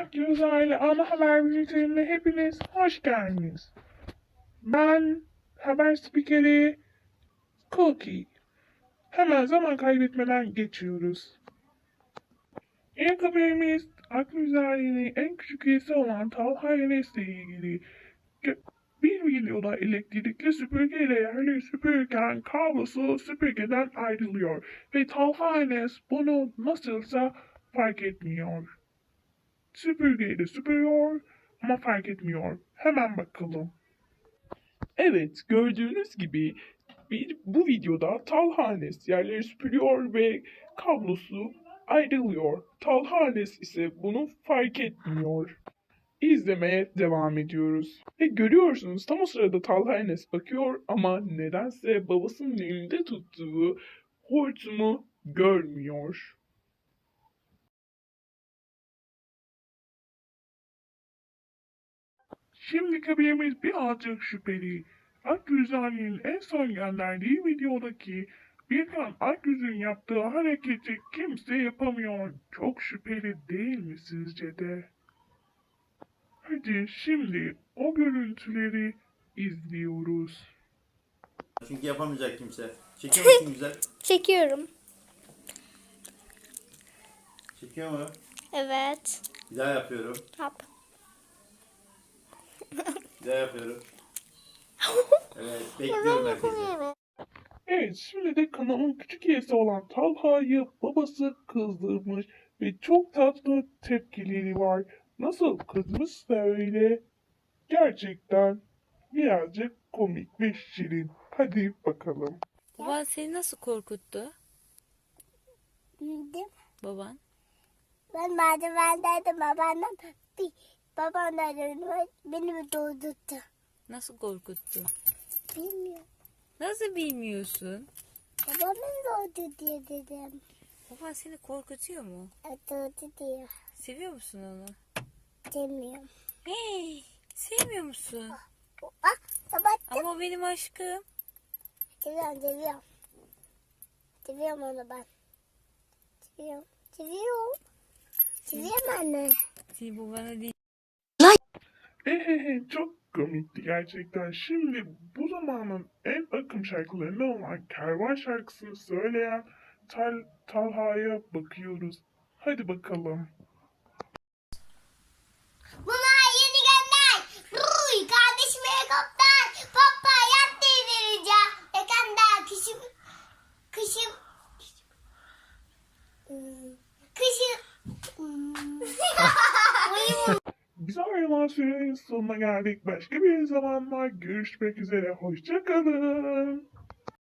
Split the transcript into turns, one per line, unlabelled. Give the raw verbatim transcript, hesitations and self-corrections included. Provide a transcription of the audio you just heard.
Akgöz Aile Ana Haber Bülteni'ne hepiniz hoş geldiniz. Ben haber spikeri Cookie. Hemen zaman kaybetmeden geçiyoruz. İlk haberimiz Akgöz Aile'nin en küçük üyesi olan Talha Enes ile ilgili. Bir videoda elektrikli süpürgeyle yerleri süpürürken kablosu süpürgeden ayrılıyor ve Talha Enes bunu nasılsa fark etmiyor. Süpürgeyle süpürüyor ama fark etmiyor. Hemen bakalım. Evet, gördüğünüz gibi bir, bu videoda Talha Enes yerleri süpürüyor ve kablosu ayrılıyor. Talha Enes ise bunu fark etmiyor. İzlemeye devam ediyoruz. Ve görüyorsunuz tam o sırada Talha Enes bakıyor ama nedense babasının elinde tuttuğu hortumu görmüyor. Şimdi haberimiz birazcık şüpheli. Akgüz'ün en son gönderdiği videodaki Birkan Akgüz'ün yaptığı hareketi kimse yapamıyor. Çok şüpheli değil mi sizce de? Hadi şimdi o görüntüleri izliyoruz.
Çünkü yapamayacak kimse. Çekiyor musun güzel?
Çekiyorum.
Çekiyor mu?
Evet.
Bir daha yapıyorum.
Yap.
Bir daha yapıyorum. Evet, bekliyorum herkesi.
Evet, şimdi de kanalın küçük üyesi olan Talha'yı babası kızdırmış ve çok tatlı tepkileri var. Nasıl kızmışsa öyle. Gerçekten birazcık komik ve şirin. Hadi bakalım.
Baban seni nasıl korkuttu?
Bildim.
Baban.
Ben merdivendeydim babaannem. Bir babaannem beni mi doğdurttu?
Nasıl korkuttu?
Bilmiyorum.
Nasıl bilmiyorsun?
Babam beni doğdu diye dedim.
Baban seni korkutuyor mu?
E, doğdu diyor.
Seviyor musun onu?
Demiyorum.
Hey, sevmiyor musun?
Ah sabah
Ama o benim aşkım.
seviyorum seviyorum. Seviyorum onu ben. Seviyorum. Seviyorum. Seviyorum anne.
Seni babana değil.
Ehehe çok komikti gerçekten. Şimdi bu zamanın en akım şarkılarından olan Kervan şarkısını söyleyen Tal Talha'ya bakıyoruz. Hadi bakalım.
Bunlar yeni gönder. Ruy kardeşim helikopter. Papa yat devireceğim. Ekanda kışım. Kışım. Hmm, Kışım. Hmm.
Biz ayrılan sürenin sonuna geldik. Başka bir zamanlar görüşmek üzere. Hoşça kalın.